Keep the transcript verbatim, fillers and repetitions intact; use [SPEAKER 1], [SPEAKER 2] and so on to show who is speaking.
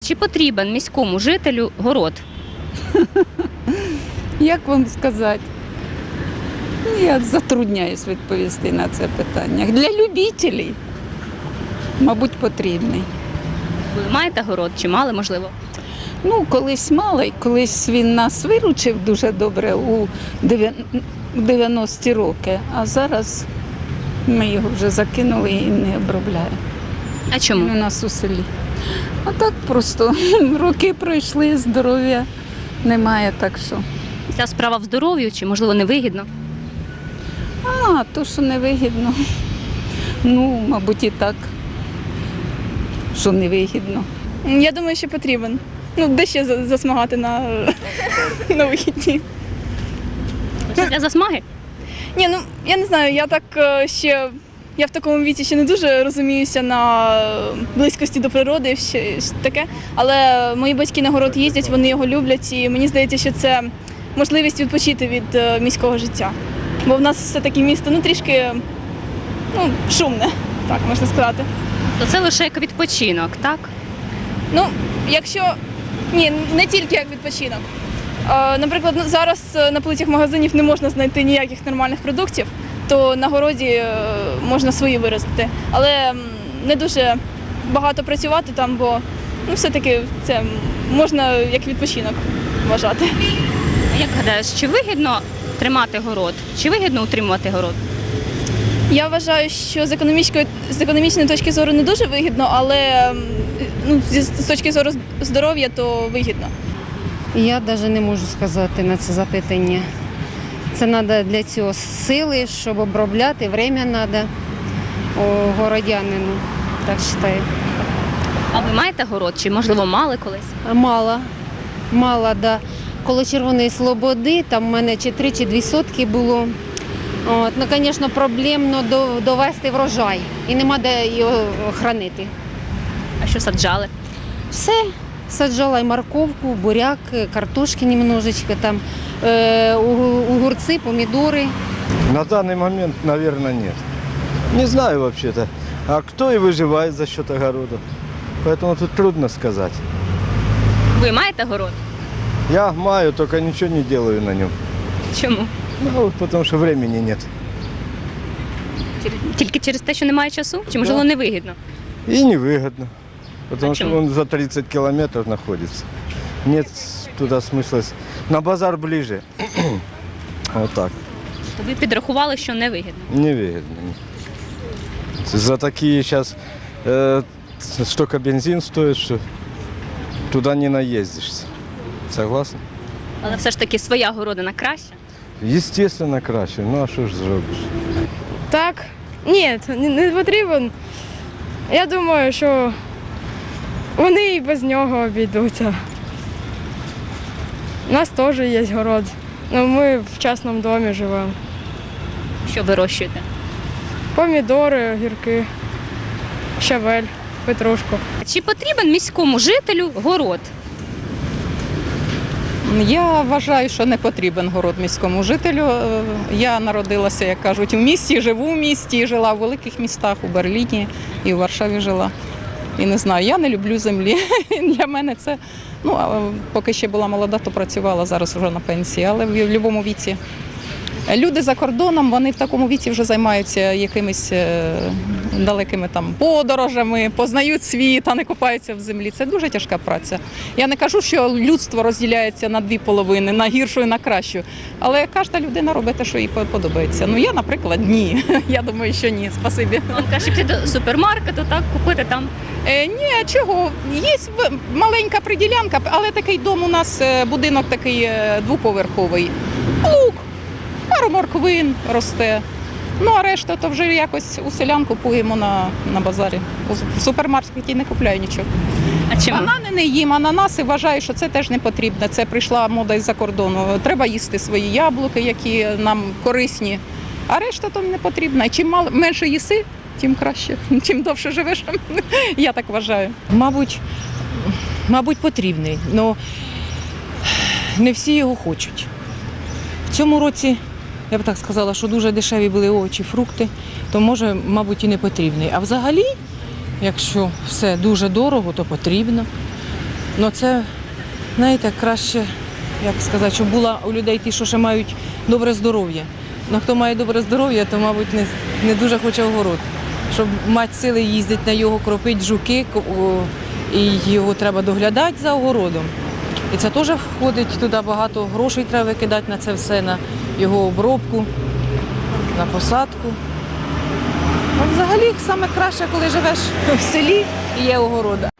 [SPEAKER 1] Чи потрібен міському жителю город?
[SPEAKER 2] Як вам сказати? Я затрудняюсь відповісти на це питання. Для любителів, мабуть, потрібний.
[SPEAKER 1] Ви маєте город чи мали, можливо?
[SPEAKER 2] Ну, колись мало, і колись він нас виручив дуже добре у дев'яності роки, а зараз ми його вже закинули і не обробляємо.
[SPEAKER 1] А
[SPEAKER 2] Він
[SPEAKER 1] чому?
[SPEAKER 2] у нас у селі. А так просто роки пройшли, здоров'я немає, так що.
[SPEAKER 1] Ця справа в здоров'ю чи, можливо, невигідно?
[SPEAKER 2] А, то, що невигідно. Ну, мабуть, і так, що невигідно.
[SPEAKER 3] Я думаю, що потрібен. Ну, де ще за- засмагати на, на вихідні.
[SPEAKER 1] Лише для засмаги?
[SPEAKER 3] Ні, ну я не знаю, я так е, ще. Я в такому віці ще не дуже розуміюся на близькості до природи, і ще щось таке. Але мої батьки на город їздять, вони його люблять, і мені здається, що це можливість відпочити від е, міського життя. Бо в нас все-таки місто ну, трішки ну, шумне, так можна сказати.
[SPEAKER 1] То це лише як відпочинок, так?
[SPEAKER 3] Ну, якщо ні, не тільки як відпочинок. Е, Наприклад, ну, зараз е, на полицях магазинів не можна знайти ніяких нормальних продуктів, то на городі е, можна свої виростити. Але м, не дуже багато працювати там, бо ну, все-таки це можна як відпочинок вважати.
[SPEAKER 1] А як гадаєш, чи вигідно тримати город? Чи вигідно утримувати город?
[SPEAKER 3] Я вважаю, що з економічної, з економічної точки зору не дуже вигідно, але м, ну, зі- з точки зору здоров'я то вигідно.
[SPEAKER 4] Я навіть не можу сказати на це запитання. Це треба для цього сили, щоб обробляти, время треба городянину, так вважаю.
[SPEAKER 1] А ви маєте город? Чи, можливо, мали колись?
[SPEAKER 4] Мало, мало, да. Коло Червоної Слободи, там в мене чи три, чи дві сотки було. От, ну, звісно, проблемно до- довести врожай і нема де його хранити.
[SPEAKER 1] А що саджали?
[SPEAKER 4] Все, саджала і морковку, буряк, картошки немножечко, там, е, огурці, помідори.
[SPEAKER 5] На данный момент, наверное, нет. Не знаю вообще-то. А кто и выживает за счет огорода? Поэтому тут трудно сказать.
[SPEAKER 1] Ви маєте город?
[SPEAKER 5] Я маю, только ничего не делаю на нем.
[SPEAKER 1] Чому?
[SPEAKER 5] Ну, потому что времени нет.
[SPEAKER 1] Тільки через те, що немає часу? Чи, можливо, невигідно?
[SPEAKER 5] И невыгодно. Потому
[SPEAKER 1] А
[SPEAKER 5] что
[SPEAKER 1] чему?
[SPEAKER 5] он за тридцать километров находится. Нет туда смысла. с- На базар ближе. Вот так.
[SPEAKER 1] То ви підрахували, що невигідно.
[SPEAKER 5] Невыгодно. За такие сейчас э, столько бензин стоит, что туда не наездишься. Согласна?
[SPEAKER 1] Але все ж таки своя городина краща.
[SPEAKER 5] Естественно, краще. Ну а що ж зробиш?
[SPEAKER 6] Так, ні, не- не потрібен. Я думаю, що вони і без нього обійдуться. У нас теж є город. Ну, ми в частному домі живемо.
[SPEAKER 1] Що вирощуєте?
[SPEAKER 6] Помідори, огірки, щавель, петрушку.
[SPEAKER 1] Чи потрібен міському жителю город?
[SPEAKER 7] Я вважаю, що не потрібен город міському жителю. Е, Я народилася, як кажуть, у місті, живу в місті, жила в великих містах, у Берліні і в Варшаві жила. І не знаю, я не люблю землі. Для мене це, ну, а поки ще була молода, то працювала, зараз вже на пенсії, але в будь-якому віці. Люди за кордоном, вони в такому віці вже займаються якимись е, далекими там подорожами, познають світ, а не купаються в землі. Це дуже тяжка праця. Я не кажу, що людство розділяється на дві половини, на гіршу і на кращу. Але кожна людина робить те, що їй подобається. Ну я, наприклад, ні. Я думаю, що ні. Спасибі.
[SPEAKER 1] Вам краще піти до супермаркету, так, купити там.
[SPEAKER 7] Е, ні, чого? Є в- маленька приділянка, але такий дом у нас, е, будинок такий е, двоповерховий. Лук, пару морквин росте. Ну, а решта то вже якось у селян купуємо на, на базарі. У- В супермаркеті не купляю нічого.
[SPEAKER 1] А чому?
[SPEAKER 7] Банани не їм, ананаси вважаю, що це теж не потрібно. Це прийшла мода із-за кордону. Треба їсти свої яблуки, які нам корисні, а решта то не потрібно. І чим мал- менше їси, тим краще, чим довше живеш. Я так вважаю.
[SPEAKER 8] Мабуть, мабуть, потрібний, але не всі його хочуть. В цьому році, я б так сказала, що дуже дешеві були овочі, фрукти, то може, мабуть, і не потрібний. А взагалі, якщо все дуже дорого, то потрібно. Ну це, знаєте, краще, як сказати, щоб була у людей ті, що ще мають добре здоров'я. Ну хто має добре здоров'я, то, мабуть, не, не дуже хоче огород. Щоб мати сили їздити на його, кропити жуки, ко- о, і його треба доглядати за огородом. І це теж входить туди, багато грошей треба викидати на це все, на його обробку, на посадку. А взагалі саме краще, коли живеш в селі і є огорода.